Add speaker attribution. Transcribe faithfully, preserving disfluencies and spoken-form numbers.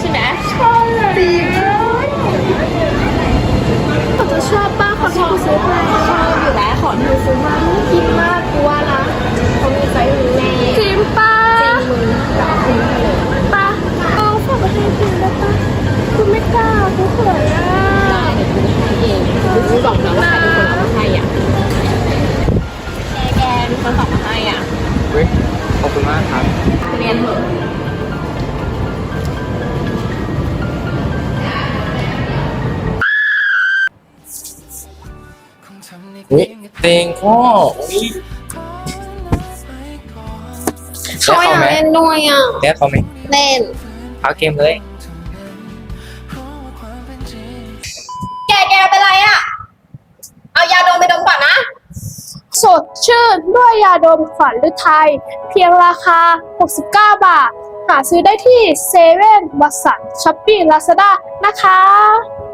Speaker 1: ช่ไหม
Speaker 2: ชอบดีเขาจะชอบป้าคนที่กูซื้อมา
Speaker 1: ชอบอยู่แล้วของที่ซื้อมาน่ากินมากกูว่านะเขามีไซส์มึงแน่
Speaker 2: จริงป้า
Speaker 1: จริงมึงจะเอาทิ้งไปเลย
Speaker 2: ป้าเอาฝากประเทศจริงได้ป้ากูไม่กล้ากูเขินอ่ะ
Speaker 1: ได้เดี๋ยวกูให้เองกูบอกนะว่าใครเป็นคนเอามาให้อ่ะแกแกมีคนส่งมาให้อ่ะ
Speaker 3: เฮ้ยขอบคุณมากครับ
Speaker 1: เรียนเถอะ
Speaker 3: อุ้ยเต็งพ่ออุ้ย
Speaker 2: เขาอยากเล่นด้วยอ่ะ
Speaker 3: เล่นเขาไหม
Speaker 2: เล่น
Speaker 3: เอาเกมเลย
Speaker 1: แกแกเป็นไรอ่ะเอายาดมไปดมก่อนนะ
Speaker 2: สดชื่นด้วยยาดมขวัญฤทัยเพียงราคาหกสิบเก้าบาทหาซื้อได้ที่เซเว่นวัตสันช้อปปี้ลาซาด้านะคะ